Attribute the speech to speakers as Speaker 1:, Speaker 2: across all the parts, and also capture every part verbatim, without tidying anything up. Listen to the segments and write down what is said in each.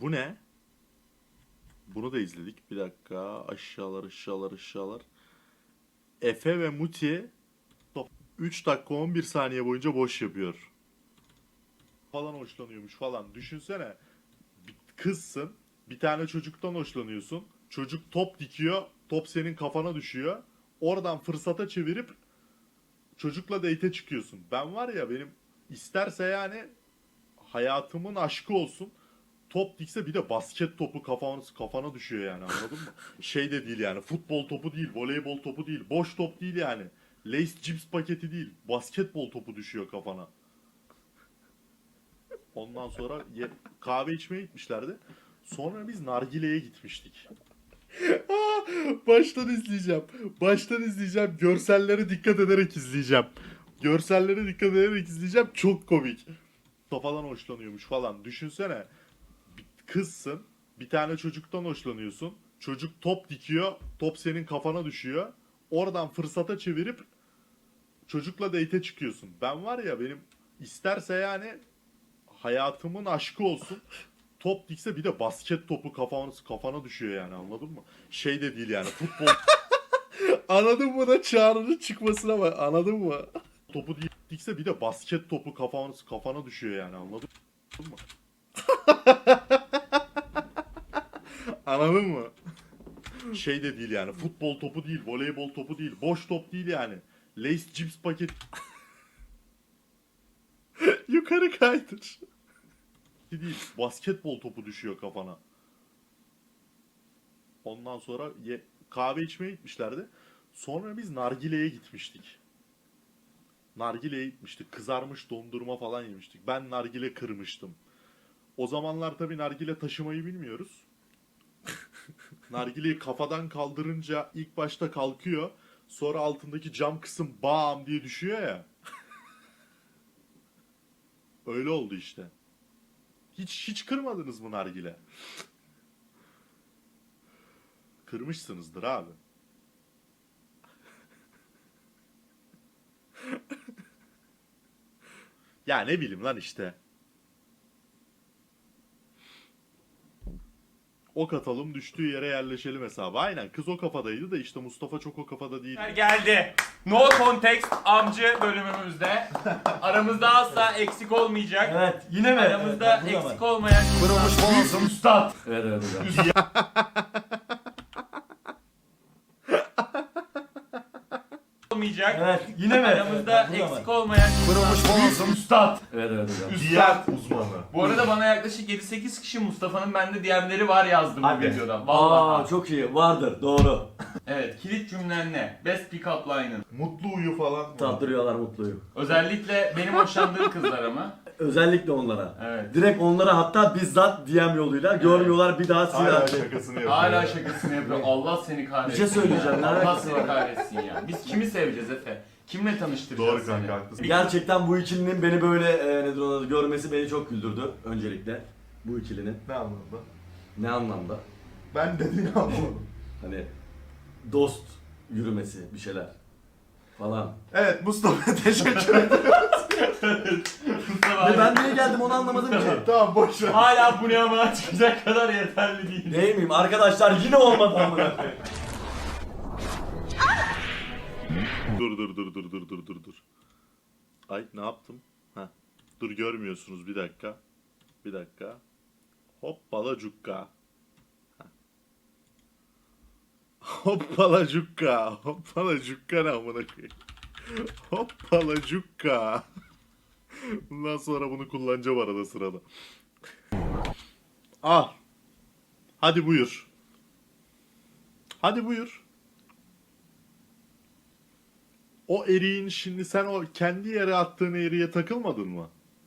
Speaker 1: Bu ne? Bunu da izledik. Bir dakika. Aşağılar aşağılar aşağılar. Efe ve Muti üç dakika on bir saniye boyunca boş yapıyor. Falan hoşlanıyormuş falan. Düşünsene. Bir kızsın. Bir tane çocuktan hoşlanıyorsun. Çocuk top dikiyor. Top senin kafana düşüyor. Oradan fırsata çevirip çocukla date'e çıkıyorsun. Ben var ya, benim isterse yani hayatımın aşkı olsun. Top dikse bir de basket topu kafana, kafana düşüyor yani, anladın mı? Şey de değil yani, futbol topu değil, voleybol topu değil, boş top değil yani. Lace cips paketi değil, basketbol topu düşüyor kafana. Ondan sonra ye- kahve içmeye gitmişlerdi. Sonra biz nargileye gitmiştik. Aa, baştan izleyeceğim. Baştan izleyeceğim. Görsellere dikkat ederek izleyeceğim. Görsellere dikkat ederek izleyeceğim. Çok komik. Falan hoşlanıyormuş falan. Düşünsene. Bir kızsın. Bir tane çocuktan hoşlanıyorsun. Çocuk top dikiyor. Top senin kafana düşüyor. Oradan fırsata çevirip çocukla date'e çıkıyorsun. Ben var ya, benim isterse yani hayatımın aşkı olsun. Top dikse bir de basket topu kafana, kafana düşüyor yani, anladın mı? Şey de değil yani, futbol anladın mı da çağrının çıkmasına bak, anladın mı? Topu dikse bir de basket topu kafana, kafana düşüyor yani, anladın mı? Anladın mı? Şey de değil yani, futbol topu değil, voleybol topu değil, boş top değil yani. Lace cips paket yukarı kaydır. Değil, basketbol topu düşüyor kafana. Ondan sonra ye- kahve içmeye gitmişlerdi. Sonra biz nargileye gitmiştik. Nargileye gitmiştik. Kızarmış dondurma falan yemiştik. Ben nargile kırmıştım. O zamanlar tabii nargile taşımayı bilmiyoruz. Nargileyi kafadan kaldırınca ilk başta kalkıyor. Sonra altındaki cam kısım bam diye düşüyor ya. Öyle oldu işte. Hiç hiç kırmadınız mı nargile? Kırmışsınızdır abi. Ya ne bileyim lan işte. Ok atalım, düştüğü yere yerleşelim hesabı. Aynen, kız o kafadaydı da işte Mustafa çok o kafada değildi.
Speaker 2: Geldi. No Context amcı bölümümüzde. Aramızda asla eksik olmayacak.
Speaker 3: Evet, yine mi?
Speaker 2: Aramızda
Speaker 3: Evet, burada
Speaker 2: eksik
Speaker 3: mı?
Speaker 2: olmayan
Speaker 3: Kırılmış boğazım.
Speaker 2: üstad.
Speaker 3: Evet, evet, evet.
Speaker 2: Olmayacak.
Speaker 3: Evet, yine mi?
Speaker 2: Aramızda
Speaker 3: Evet, burada
Speaker 2: eksik
Speaker 3: mı?
Speaker 2: olmayan
Speaker 3: Kırılmış boğazım.
Speaker 2: üstad.
Speaker 3: Evet, evet, evet.
Speaker 1: Diğer uzmanı.
Speaker 2: Bu arada bana yaklaşık yedi sekiz kişi Mustafa'nın bende D M'leri var yazdı bu
Speaker 3: Hadi.
Speaker 2: videoda. Vallahi.
Speaker 3: Aa, çok iyi. Vardır, doğru.
Speaker 2: Evet, kilit cümlen ne? Best pick-up line'ın.
Speaker 1: Mutlu uyu falan.
Speaker 3: Tattırıyorlar mutluyu.
Speaker 2: Özellikle benim hoşlandığım kızlar ama.
Speaker 3: Özellikle onlara.
Speaker 2: Evet.
Speaker 3: Direkt onlara hatta bizzat D M yoluyla görmüyorlar bir daha
Speaker 1: Hala
Speaker 3: silah.
Speaker 1: şakasını yapıyor.
Speaker 2: Hala şakasını yapıyor. Allah seni kahretsin.
Speaker 3: Bir şey söyleyeceğim,
Speaker 2: ya.
Speaker 3: ne
Speaker 2: Allah
Speaker 3: alakası
Speaker 2: seni
Speaker 3: var?
Speaker 2: kahretsin ya. Biz kimi seveceğiz Efe? Kimle tanıştıracağız
Speaker 1: Doğru
Speaker 2: seni?
Speaker 1: kanka, haklısın.
Speaker 3: Gerçekten bu ikilinin beni böyle e, nedir ona görmesi beni çok güldürdü öncelikle. Bu ikilinin.
Speaker 1: Ne anlamda?
Speaker 3: Ne anlamda?
Speaker 1: Ben dediğini anlamadım.
Speaker 3: Hani dost yürümesi bir şeyler falan.
Speaker 1: Evet Mustafa, teşekkür ederim.
Speaker 2: Mustafa
Speaker 3: Ve
Speaker 2: abi,
Speaker 3: ben niye geldim onu anlamadım ki.
Speaker 1: Tamam, boş ver.
Speaker 2: hala bu ne ama çıkacak kadar yeterli değil.
Speaker 3: Değil miyim? Arkadaşlar yine olmadı amına koyayım.
Speaker 1: Dur dur dur dur dur dur dur dur. Ay, ne yaptım? Ha. Dur, görmüyorsunuz, bir dakika. Bir dakika. Hoppala cukka. Ha. Hoppala cukka. Hoppala cukka ne amına koyayım. Hoppala cukka. Bundan sonra bunu kullanacağım arada sırada. Al. Hadi buyur. Hadi buyur. O eriğin, şimdi sen o kendi yere attığın eriğe takılmadın mı?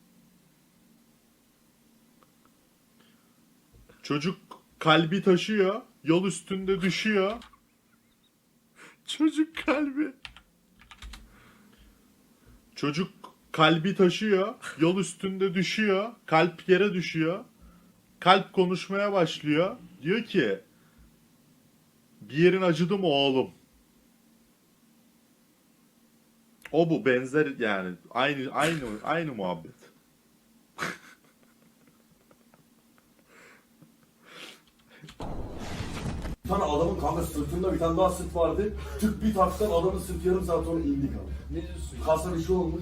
Speaker 1: Çocuk kalbi taşıyor, yol üstünde düşüyor. Çocuk kalbi. Çocuk kalbi taşıyor, yol üstünde düşüyor, kalp yere düşüyor. Kalp konuşmaya başlıyor. Diyor ki, bir yerin acıdı mı oğlum? O bu, benzer yani, aynı aynı aynı muhabbet.
Speaker 3: Bir tane adamın kanka sırtında bir tane daha sırt vardı. Tık bir taksan adamın sırtı yarım saat sonra indi kanka.
Speaker 4: Ne diyorsun?
Speaker 3: Kasa bir şey olmuş.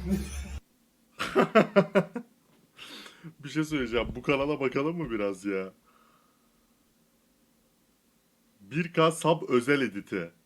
Speaker 1: Bir şey söyleyeceğim. Bu kanala bakalım mı biraz ya? bir K sub özel editi.